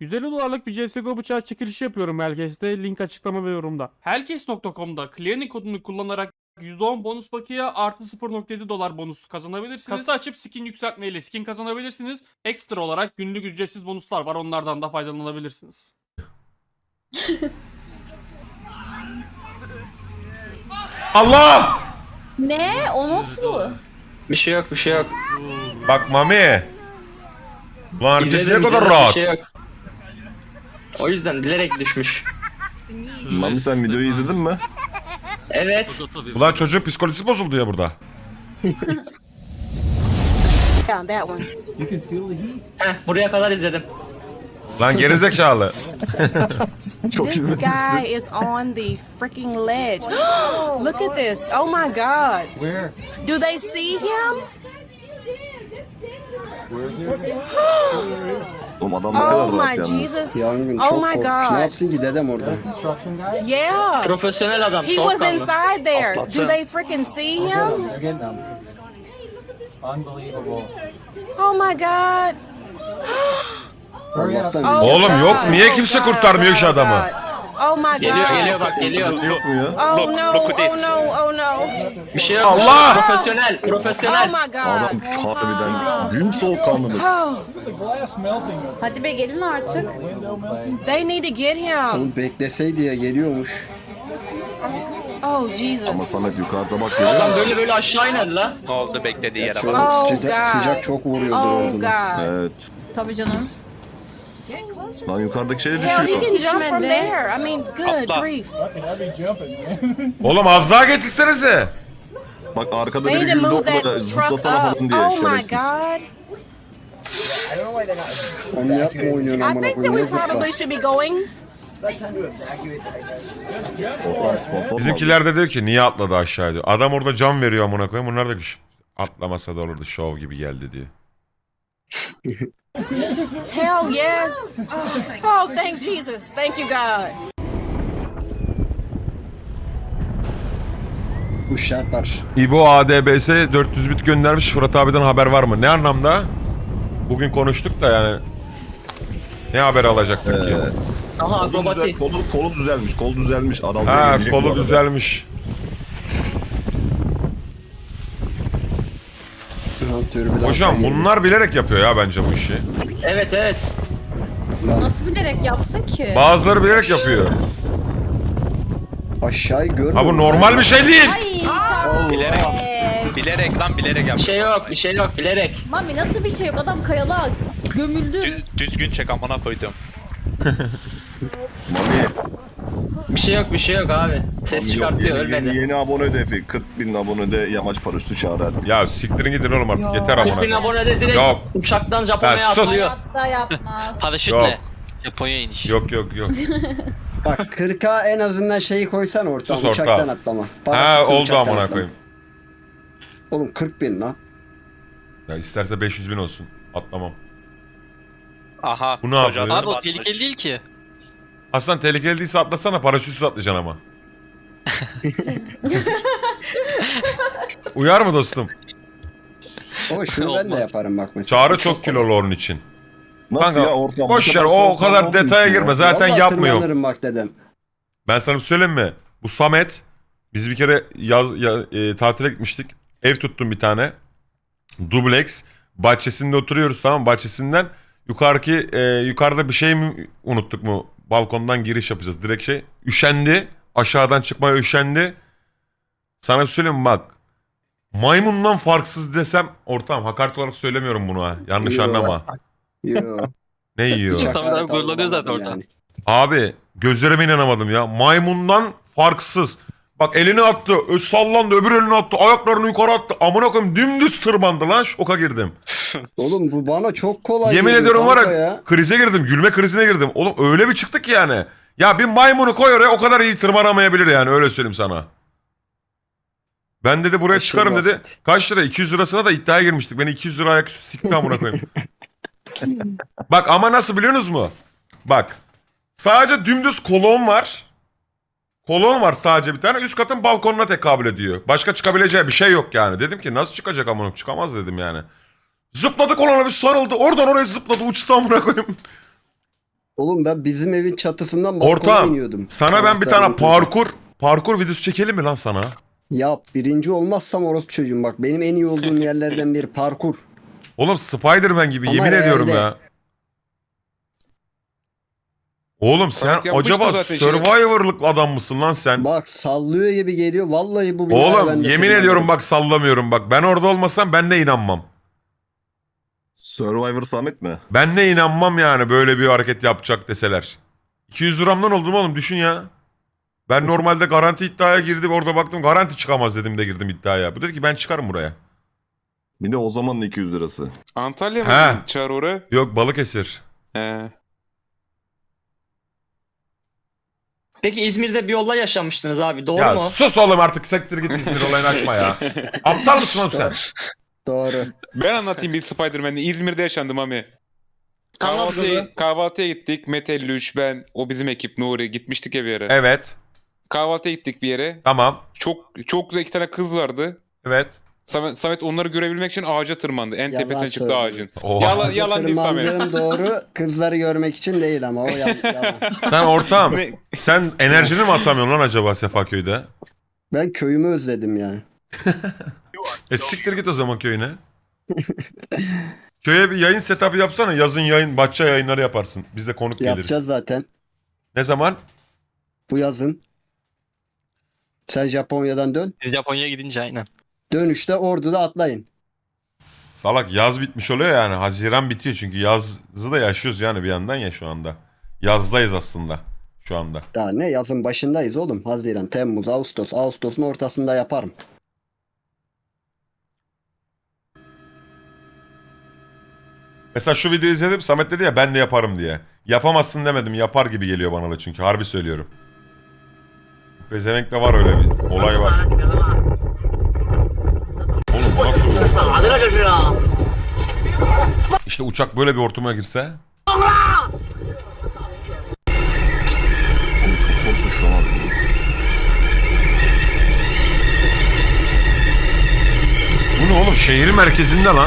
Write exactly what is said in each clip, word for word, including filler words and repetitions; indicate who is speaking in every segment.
Speaker 1: yüz elli dolarlık bir C S G O bıçağı çekilişi yapıyorum Hellcase'de. Link açıklama ve yorumda. Hellcase nokta com'da Clearing kodunu kullanarak yüzde on bonus bakiye artı sıfır nokta yedi dolar bonus kazanabilirsiniz. Kasa açıp skin yükseltmeyle skin kazanabilirsiniz. Ekstra olarak günlük ücretsiz bonuslar var. Onlardan da faydalanabilirsiniz.
Speaker 2: Allah!
Speaker 3: Ne? O nasıl?
Speaker 4: Bir şey yok, bir şey yok.
Speaker 2: Bak Mami. Ulan herkes ne
Speaker 4: İzledim,
Speaker 2: kadar
Speaker 4: izledim,
Speaker 2: rahat.
Speaker 4: Bir şey yok. O yüzden bilerek düşmüş.
Speaker 5: Mami sen videoyu izledin mi?
Speaker 4: Evet.
Speaker 2: Ulan çocuğun psikolojisi bozuldu ya burada.
Speaker 6: Found that one.
Speaker 4: Heh, buraya kadar izledim.
Speaker 2: Lan gerizekalı.
Speaker 5: Çok
Speaker 6: This
Speaker 5: izlemişsin.
Speaker 6: guy is on the freaking ledge. Look at this. Oh my god. Where? Do they see him?
Speaker 5: Oğlum adam ne kadar
Speaker 6: Oh
Speaker 5: rahat
Speaker 6: my
Speaker 5: yalnız.
Speaker 6: Jesus.
Speaker 7: Yangın
Speaker 6: Oh
Speaker 7: çok
Speaker 6: my
Speaker 7: korkmuş. Ne
Speaker 6: god.
Speaker 7: yapsın ki dedem orada?
Speaker 6: Yeah.
Speaker 4: Profesyonel adam,
Speaker 6: He was
Speaker 4: soğukkanlı.
Speaker 6: inside there.
Speaker 4: Atlatsın.
Speaker 6: Do they freaking see him?
Speaker 8: Again, them. Unbelievable.
Speaker 6: Oh my god.
Speaker 8: Hurry up.
Speaker 7: Allah'tan
Speaker 6: Oh
Speaker 2: Oğlum
Speaker 6: god.
Speaker 2: yok, niye
Speaker 6: Oh
Speaker 2: kimse
Speaker 6: god,
Speaker 2: kurtarmıyor
Speaker 6: god,
Speaker 2: şu adamı?
Speaker 6: god. Oh my
Speaker 4: Geliyor,
Speaker 6: god.
Speaker 4: geliyor bak, geliyor.
Speaker 5: Yok mu ya?
Speaker 6: Oh no. Oh no. Oh no.
Speaker 4: Bir şey yok.
Speaker 2: Allah!
Speaker 4: Profesyonel,
Speaker 6: Oh
Speaker 4: profesyonel.
Speaker 6: my god.
Speaker 5: Adam harbiden gün soğukkanlılık.
Speaker 6: Oh,
Speaker 8: The glass melting.
Speaker 3: Hadi be gelin artık.
Speaker 6: they need to get him.
Speaker 7: Oğlum bekleseydi ya geliyormuş.
Speaker 6: Oh
Speaker 5: Ama
Speaker 6: Jesus.
Speaker 5: Samet yukarıda bak görüyor
Speaker 4: Adam
Speaker 5: musun?
Speaker 4: böyle böyle aşağı iner lan.
Speaker 9: Ne oldu beklediği yere
Speaker 7: Şöyle
Speaker 9: bak.
Speaker 6: Oh
Speaker 7: sıcak,
Speaker 6: god.
Speaker 7: sıcak çok vuruyordur
Speaker 6: Oh
Speaker 7: oradan.
Speaker 6: god.
Speaker 5: Evet.
Speaker 3: Tabii canım.
Speaker 5: Lan yukarıdaki şeye
Speaker 6: Hell, he
Speaker 5: düşüyor.
Speaker 6: can jump from there. I mean, good
Speaker 9: Atla.
Speaker 6: grief.
Speaker 8: Fucking heavy jumping, man.
Speaker 2: Oğlum az daha getirsenize.
Speaker 5: Bak arkada
Speaker 6: They
Speaker 5: biri
Speaker 6: need to
Speaker 5: güldü
Speaker 6: move that
Speaker 5: orada
Speaker 6: truck
Speaker 5: zıplasana
Speaker 6: up.
Speaker 5: falan diye
Speaker 6: Oh my
Speaker 5: şerefsiz.
Speaker 6: god.
Speaker 7: Onu yapma oynuyorsun
Speaker 6: I
Speaker 7: amına
Speaker 6: think that
Speaker 7: koyayım.
Speaker 6: we
Speaker 7: Ne zıpla.
Speaker 6: probably should be going.
Speaker 5: Oğlum sponsor
Speaker 2: Bizimkiler de diyor ki niye atladı aşağı diyor. Adam orada can veriyor amına koyayım. Bunlar da ki, atlamasa da olurdu, şov gibi geldi diyor.
Speaker 6: Hell yes. Oh, thank Jesus. Thank you, God.
Speaker 7: Bu şarpar.
Speaker 2: İbo A D B S dört yüz bit göndermiş. Fırat abiden haber var mı? Ne anlamda? Bugün konuştuk da yani. Ne haber alacaktık ki?
Speaker 4: Aha
Speaker 5: Kolu, düzel,
Speaker 4: akrobati.
Speaker 5: kolu, kolu düzelmiş, kol düzelmiş. Adam
Speaker 2: Ha, kolu düzelmiş.
Speaker 7: Ha, türbülansa
Speaker 2: Hocam
Speaker 7: girdi.
Speaker 2: bunlar bilerek yapıyor ya bence bu işi.
Speaker 4: Evet evet.
Speaker 7: Lan
Speaker 3: Nasıl bilerek yapsın ki?
Speaker 2: Bazıları bilerek yapıyor.
Speaker 7: aşağıyı görmüyor.
Speaker 2: Ha bu normal bir şey değil.
Speaker 3: Ay tamam.
Speaker 9: Bilerek.
Speaker 3: Ee,
Speaker 9: Bilerek lan bilerek yap.
Speaker 4: Bir şey yok, bir şey yok bilerek.
Speaker 3: Mami nasıl bir şey yok? Adam kayalığa gömüldü.
Speaker 9: Dü- düzgün çek amına koydum.
Speaker 5: Mami.
Speaker 4: Bir şey yok, bir şey yok abi. Ses çıkartıyor,
Speaker 5: yeni,
Speaker 4: ölmedi.
Speaker 5: Yeni, yeni abone hedefi. kırk bin abonede yamaç paraşütü çağrı hadi.
Speaker 2: Ya siktirin gidin oğlum artık, yeter amına.
Speaker 4: kırk bin
Speaker 2: koyayım.
Speaker 4: abone de direkt
Speaker 2: Yok.
Speaker 4: uçaktan Japonya'ya
Speaker 2: Ben sus.
Speaker 4: atılıyor.
Speaker 3: Hatta yapmaz.
Speaker 9: Paraşütle.
Speaker 2: Yok.
Speaker 9: Japonya iniş.
Speaker 2: Yok yok yok.
Speaker 7: Bak kırka en azından şeyi koysan ortaya.
Speaker 2: Sus orta.
Speaker 7: Uçaktan atlama.
Speaker 2: Ha
Speaker 7: Paraşütle
Speaker 2: oldu
Speaker 7: uçaktan
Speaker 2: amına
Speaker 7: atlama.
Speaker 2: koyayım.
Speaker 7: Oğlum kırk bin lan.
Speaker 2: Ya isterse beş yüz bin olsun. Atlamam.
Speaker 9: Aha.
Speaker 2: Bu ne
Speaker 9: çocuğa
Speaker 2: yapıyor?
Speaker 9: Abi o tehlikeli değil ki.
Speaker 2: Aslan tehlikeli değilse atlasana, paraşütsüz atlayacaksın ama. Uyar mı dostum?
Speaker 7: Ama şunu ben de
Speaker 9: Olmaz.
Speaker 7: yaparım bak mesela.
Speaker 2: Çağrı çok kilolu onun için.
Speaker 5: Nasıl
Speaker 2: Kanka,
Speaker 5: ya ortam?
Speaker 2: boş
Speaker 5: Bu
Speaker 2: ver,
Speaker 5: kadar
Speaker 2: o o
Speaker 5: soğukkanlı
Speaker 2: kadar
Speaker 5: olmuyor
Speaker 2: detaya
Speaker 5: ya.
Speaker 2: girme, zaten
Speaker 7: Vallahi
Speaker 2: yapmıyorum.
Speaker 7: tırmanırım bak dedem.
Speaker 2: Ben sana bir söyleyeyim mi? Bu Samet, biz bir kere yaz ya, e, tatile gitmiştik. Ev tuttum bir tane. Dubleks. Bahçesinde oturuyoruz, tamam mı? Bahçesinden yukarıki e, yukarıda bir şey mi unuttuk mu? Balkondan giriş yapacağız direkt şey. Üşendi. Aşağıdan çıkmaya üşendi. Sana bir söyleyeyim mi bak. Maymundan farksız desem ortam, hakaret olarak söylemiyorum bunu ha. Yanlış
Speaker 7: Yo.
Speaker 2: anlama.
Speaker 7: Yo.
Speaker 2: Ne yiyor?
Speaker 7: Hiç
Speaker 4: Tamam,
Speaker 7: hakaret
Speaker 4: tamam, gururlanıyor zaten
Speaker 7: almadım
Speaker 4: orada.
Speaker 7: yani.
Speaker 2: Abi gözlerime inanamadım ya. Maymundan farksız. Bak elini attı, ö- sallandı, öbür elini attı, ayaklarını yukarı attı. Amına koyayım dümdüz tırmandı lan, şoka girdim.
Speaker 7: Oğlum bu bana çok kolay
Speaker 2: Yemin
Speaker 7: geliyor
Speaker 2: ediyorum var
Speaker 7: kanka
Speaker 2: ya, krize girdim, gülme krizine girdim. Oğlum öyle bir çıktı ki yani. Ya bir maymunu koy oraya, o kadar iyi tırmanamayabilir yani, öyle söyleyeyim sana. Ben dedi buraya
Speaker 7: Aşırı
Speaker 2: çıkarım dedi.
Speaker 7: basit.
Speaker 2: Kaç lira? iki yüz lirasına da iddiaya girmiştik. Beni iki yüz lira ayaküstü sikti amına koyayım. Bak ama nasıl biliyorsunuz mu? Bak. Sadece dümdüz kolon var. Kolon var sadece bir tane. Üst katın balkonuna tekabül ediyor. Başka çıkabileceği bir şey yok yani. Dedim ki nasıl çıkacak amına koyayım? Çıkamaz dedim yani. Zıpladı, kolona bir sarıldı. Oradan oraya zıpladı, uçtu amına koyayım.
Speaker 7: Oğlum ben bizim evin çatısından balkona
Speaker 2: Ortağım
Speaker 7: iniyordum.
Speaker 2: sana ben bir tane
Speaker 7: Anahtarını
Speaker 2: parkur parkur videosu çekelim mi lan sana?
Speaker 7: Yap, birinci olmazsam orospu çocuğum, bak benim en iyi olduğum yerlerden biri parkur.
Speaker 2: Oğlum Spider-Man gibi
Speaker 7: Ama
Speaker 2: yemin ediyorum
Speaker 7: realde-
Speaker 2: ya. Oğlum sen
Speaker 10: Evet, yapmıştı
Speaker 2: acaba
Speaker 10: zaten
Speaker 2: Survivor'lık adam mısın lan sen?
Speaker 7: Bak sallıyor gibi geliyor vallahi bu binaya
Speaker 2: Oğlum
Speaker 7: ben de
Speaker 2: yemin
Speaker 7: tırmanırım.
Speaker 2: ediyorum bak sallamıyorum bak. Ben orada olmasam ben de inanmam.
Speaker 5: Survivor Samet mi?
Speaker 2: Ben de inanmam yani böyle bir hareket yapacak deseler. iki yüz liramdan oldum oğlum düşün ya. Ben normalde garanti iddiaya girdim orada baktım garanti çıkamaz dedim de girdim iddiaya. Bu dedi ki ben çıkarım buraya.
Speaker 5: Bir de o zamanın iki yüz lirası.
Speaker 10: Antalya
Speaker 2: He.
Speaker 10: mı çağır oraya?
Speaker 2: Yok Balıkesir.
Speaker 10: He.
Speaker 4: Peki İzmir'de bir olay yaşamıştınız abi. Doğru
Speaker 2: Ya
Speaker 4: mu?
Speaker 2: sus oğlum artık sektir git İzmir olayını açma ya. Aptal mısın oğlum sen?
Speaker 7: Doğru.
Speaker 10: Ben anlatayım bir Spider-Man'i. İzmir'de yaşandım ami.
Speaker 4: Anlat
Speaker 10: Kahvaltıya,
Speaker 4: kızı.
Speaker 10: kahvaltıya gittik. Mete elli üç, ben, o bizim ekip Nuri. Gitmiştik ya bir yere.
Speaker 2: Evet.
Speaker 10: Kahvaltıya gittik bir yere.
Speaker 2: Tamam.
Speaker 10: Çok çok güzel iki tane kız vardı.
Speaker 2: Evet.
Speaker 10: Samet, Samet onları görebilmek için ağaca tırmandı. En
Speaker 7: Yalan
Speaker 10: tepesine çıktı
Speaker 7: söylüyor.
Speaker 10: ağacın.
Speaker 2: Oha.
Speaker 10: Yalan, yalan değil Samet.
Speaker 7: Tırmandığım doğru, kızları görmek için değil ama o yalan. yalan.
Speaker 2: Sen ortağım.
Speaker 10: Ne?
Speaker 2: Sen enerjini mi atamıyorsun lan acaba Sefaköy'de?
Speaker 7: Ben köyümü özledim yani.
Speaker 2: E siktir git o zaman köyüne. Köye bir yayın setup'ı yapsana. Yazın yayın, bahçe yayınları yaparsın. Biz de konuk geliriz.
Speaker 7: Yapacağız zaten.
Speaker 2: Ne zaman?
Speaker 7: Bu yazın. Sen Japonya'dan dön.
Speaker 9: Japonya'ya gidince aynen.
Speaker 7: Dönüşte Ordu'da atlayın.
Speaker 2: Salak yaz bitmiş oluyor yani. Haziran bitiyor çünkü yazı da yaşıyoruz yani bir yandan ya şu anda. Yazdayız aslında şu anda.
Speaker 7: Daha ne, yazın başındayız oğlum. Haziran, Temmuz, Ağustos. Ağustos'un ortasında yaparım.
Speaker 2: Mesela şu videoyu izledim. Samet dedi ya ben de yaparım diye. Yapamazsın demedim. Yapar gibi geliyor bana da çünkü. Harbi söylüyorum. Pezevenk'te var öyle bir olay var. Oğlum bu nasıl bir İşte uçak böyle bir ortama girse.
Speaker 5: Oğlum çok korkmuş lan abi.
Speaker 2: Bu ne oğlum? Şehir merkezinde lan.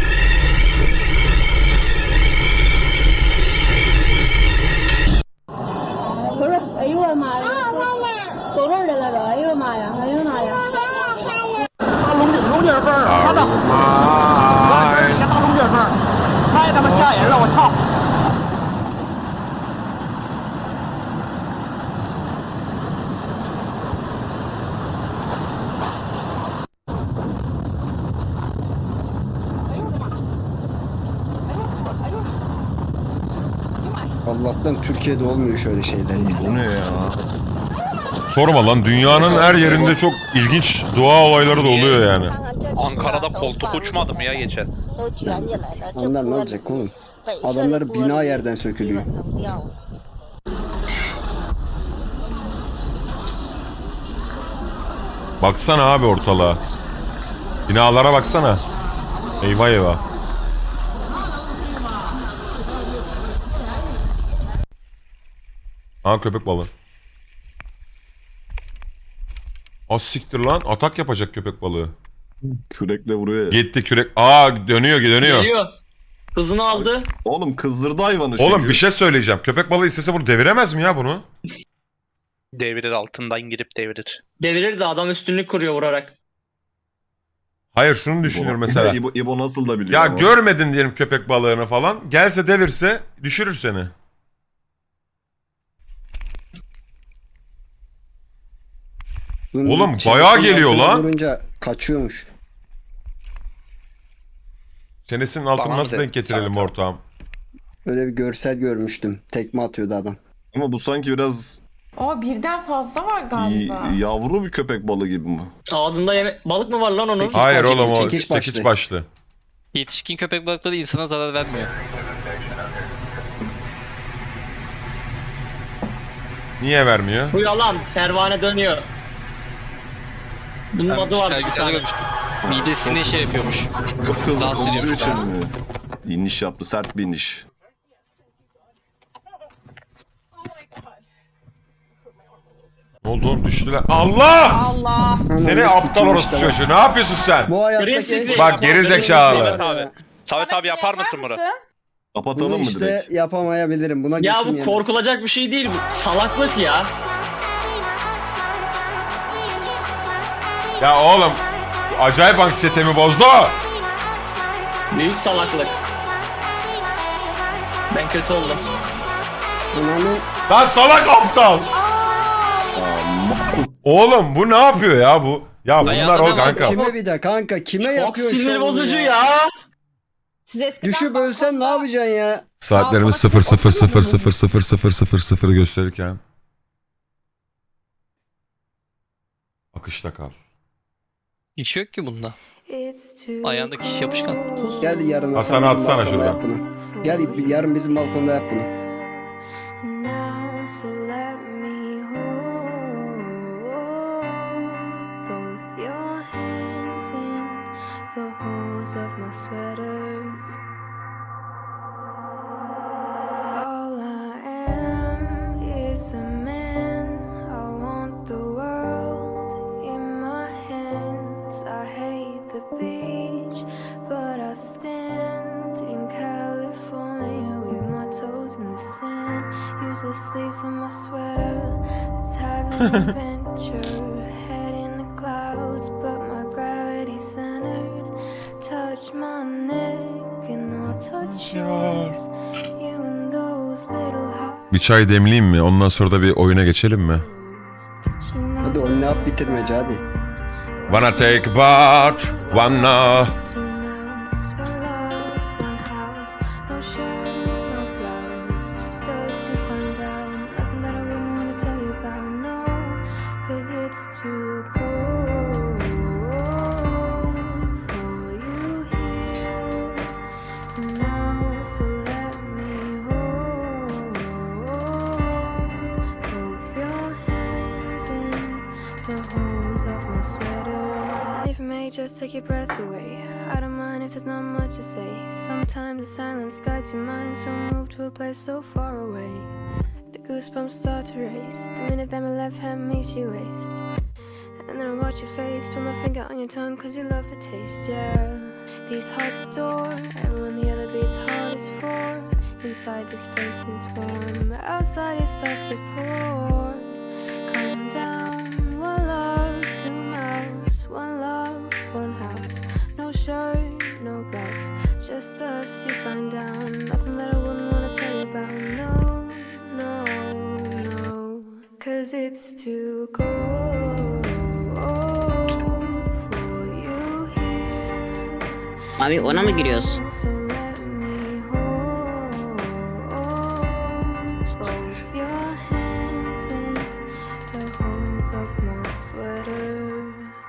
Speaker 7: Allah'tan Türkiye'de olmuyor şöyle şeyler ya.
Speaker 5: Bu ne ya?
Speaker 2: Sorma lan dünyanın her yerinde çok ilginç doğa olayları da oluyor yani.
Speaker 9: Ankara'da koltuk uçmadı mı ya geçen?
Speaker 7: Ondan ne olacak oğlum? Adamları bina yerden sökülüyor.
Speaker 2: Baksana abi ortalığa. Binalara baksana. Eyvah eyvah. Ha köpek balığı. Az siktir lan. Atak yapacak köpek balığı.
Speaker 5: Kürekle vuruyor ya.
Speaker 2: Gitti kürek. Aa dönüyor dönüyor.
Speaker 4: Geliyor. Hızını aldı.
Speaker 5: Oğlum kızdırdı hayvanı
Speaker 2: Oğlum
Speaker 5: çünkü.
Speaker 2: bir şey söyleyeceğim. Köpek balığı istese bunu deviremez mi ya bunu?
Speaker 9: Devirir, altından girip devirir.
Speaker 4: Devirir de adam üstünlük kuruyor vurarak.
Speaker 2: Hayır şunu düşünüyorum
Speaker 5: İbo-
Speaker 2: mesela.
Speaker 5: İbo, İbo nasıl da biliyor
Speaker 2: Ya
Speaker 5: ama.
Speaker 2: görmedin diyelim köpek balığını falan. Gelse devirse düşürür seni.
Speaker 7: Bunun
Speaker 2: Oğlum,
Speaker 7: çenesinin
Speaker 2: bayağı geliyor
Speaker 7: altına
Speaker 2: lan.
Speaker 7: Vurunca kaçıyormuş.
Speaker 2: Çenesinin altını
Speaker 9: Bana
Speaker 2: nasıl
Speaker 9: mı
Speaker 2: denk
Speaker 9: dedin?
Speaker 2: getirelim
Speaker 9: Sana.
Speaker 2: ortağım?
Speaker 7: Öyle bir görsel görmüştüm. Tekme atıyordu adam.
Speaker 5: Ama bu sanki biraz
Speaker 6: Aa birden fazla var galiba.
Speaker 5: y- yavru bir köpek balığı gibi mi?
Speaker 4: Ağzında yeme... Balık mı var lan onun?
Speaker 7: Peki.
Speaker 2: Hayır
Speaker 7: başlı,
Speaker 2: oğlum o
Speaker 7: çekiç
Speaker 2: çekiç
Speaker 7: başlı.
Speaker 2: başlı.
Speaker 9: Yetişkin köpek balıkları insana zarar vermiyor.
Speaker 2: Niye vermiyor?
Speaker 4: Bu yalan. Pervane dönüyor. Bunun adı var bir
Speaker 9: Belgeselde
Speaker 4: tane.
Speaker 9: görmüştüm. Midesine şey yapıyormuş.
Speaker 5: Çok hızlı
Speaker 9: Dans
Speaker 5: olduğu
Speaker 9: ediyormuş
Speaker 5: için
Speaker 9: galiba.
Speaker 5: mi? İniş yaptı, sert bir iniş.
Speaker 2: Ne oldu oğlum düştüler. Allah!
Speaker 3: Allah.
Speaker 2: Seni
Speaker 7: Ananı
Speaker 2: aptal
Speaker 7: sikeyim
Speaker 2: orospu
Speaker 7: işte bak.
Speaker 2: çocuğu. Ne yapıyorsun sen?
Speaker 7: Bu hayattaki...
Speaker 4: Green screen.
Speaker 2: Bak geri zekalı.
Speaker 9: Samet abi. Samet abi yapar mısın bunu?
Speaker 5: Kapatalım
Speaker 7: Bunu
Speaker 5: mı
Speaker 7: işte
Speaker 5: direkt?
Speaker 7: yapamayabilirim. Buna
Speaker 4: Ya
Speaker 7: götüm
Speaker 4: bu
Speaker 7: yemez.
Speaker 4: korkulacak bir şey değil bu. Salaklık ya.
Speaker 2: Ya oğlum acayip anksiyetemi bozdu.
Speaker 4: Büyük salaklık. Ben kötü oldum.
Speaker 7: Ananı
Speaker 2: Lan salak aptal. Oğlum bu ne yapıyor ya bu? Ya bunlar
Speaker 9: Hayatına
Speaker 2: o
Speaker 9: bak.
Speaker 2: kanka.
Speaker 7: kime bir de kanka kime
Speaker 4: Çok
Speaker 7: yapıyorsun
Speaker 4: sinir
Speaker 7: şu an bunu
Speaker 4: bozucu ya.
Speaker 3: Siz eskiden
Speaker 7: Düşüp ölsen ne yapacaksın ya?
Speaker 2: Saatlerimiz
Speaker 3: Balkona
Speaker 2: sıfır sıfır sıfır
Speaker 3: oturmadın
Speaker 2: sıfır sıfır sıfır sıfır sıfır gösterirken. Akışta kal.
Speaker 9: İş yok ki bunda. Ayağındaki iş yapışkan.
Speaker 7: Gel yarın
Speaker 2: Hasan
Speaker 7: Hasan bizim
Speaker 2: atsana
Speaker 7: balkonda
Speaker 2: şuradan.
Speaker 7: yap bunu. Gel yarın bizim balkonda yap bunu.
Speaker 6: Now, so let me hold both your hands in the holes of my sweater. All I am is a man. I want the world in my hands. I hate the beach, but I stand in California with my toes in the sand. Use the sleeves of my sweater. Let's have an adventure. Head in the clouds, but my gravity centered. Touch my neck and I'll touch yours. You and those little hearts.
Speaker 2: Bir çay demleyeyim mi? Ondan sonra da bir oyuna geçelim mi?
Speaker 7: Hadi onu yap bitirmece hadi.
Speaker 2: Wanna take a bath, wanna...
Speaker 6: Two mouths, one love, one house. No shirt, no blouse. Just us to find out. Nothing that I wouldn't want to tell you about, no. Cause it's too cold for you here now. So let me hold both your hands in the holes of my sweater. And if it may just take your breath away, I don't mind if there's not much to say. Sometimes the silence guides your mind, so move to a place so far away. The goosebumps start to race the minute that my left hand meets your waist. And then I watch your face, put my finger on your tongue, cause you love the taste, yeah. These hearts adore everyone the other beats heart is for. Inside this place is warm, but outside it starts to pour. Calm down, one love, two mouths, one love, one house. No shirt, no blouse, just us, you find out. Nothing that I wouldn't wanna tell you about, no, no, no. Cause it's too cold for you here.
Speaker 11: Abi ona mı giriyoruz?
Speaker 6: So let me hold both your hands in the holes of my sweater.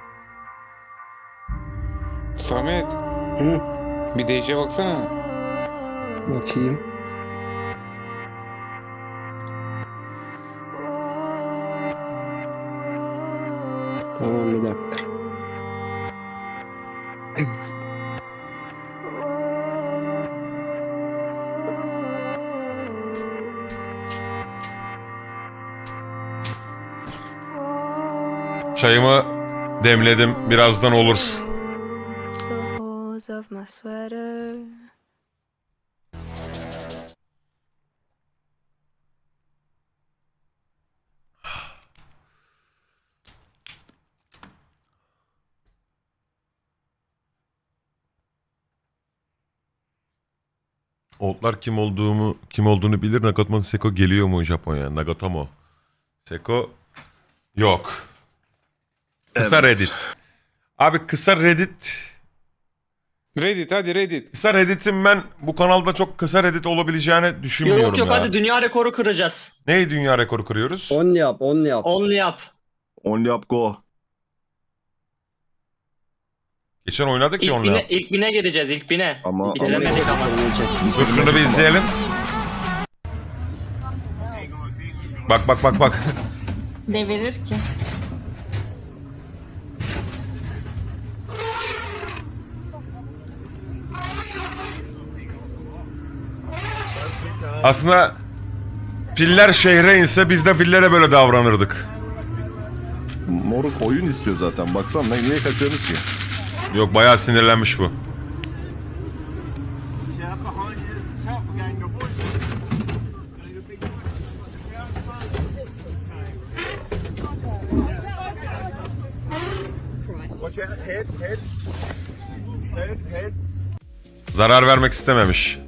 Speaker 10: Samet
Speaker 7: Hı,
Speaker 10: bir D J'ye baksana.
Speaker 7: bakayım. Tamam bir dakika.
Speaker 2: Çayımı demledim. Birazdan olur.
Speaker 6: The holes of my sweater.
Speaker 2: Oğutlar kim olduğumu kim olduğunu bilir. Nagatomo Seko geliyor mu Japonya? Nagatomo Seko yok. Kısa
Speaker 5: Evet.
Speaker 2: Reddit. Abi kısa Reddit.
Speaker 10: Reddit hadi Reddit.
Speaker 2: Kısa Reddit'in ben bu kanalda çok kısa Reddit olabileceğini düşünmüyorum
Speaker 4: Yok yok
Speaker 2: ya.
Speaker 4: hadi dünya rekoru kıracağız.
Speaker 2: Neyi dünya rekoru kırıyoruz?
Speaker 7: On yap, on yap.
Speaker 4: Only yap.
Speaker 5: Only up go.
Speaker 2: Geçen oynadık ya
Speaker 4: İlk
Speaker 2: onunla.
Speaker 4: bine, ilk bine gireceğiz ilk bine.
Speaker 5: Ama-
Speaker 4: Bitiremedik ama.
Speaker 2: Dur şunu bir izleyelim. Bak bak bak bak.
Speaker 3: Devirir ki.
Speaker 2: Aslında filler şehre inse biz de fillere böyle davranırdık.
Speaker 5: Moruk oyun istiyor zaten. Baksana niye kaçıyorsunuz ki?
Speaker 2: Yok bayağı sinirlenmiş bu. Zarar vermek istememiş.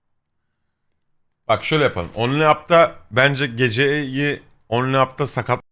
Speaker 2: Bak şöyle yapalım. Only Up'ta bence geceyi Only Up'ta sakat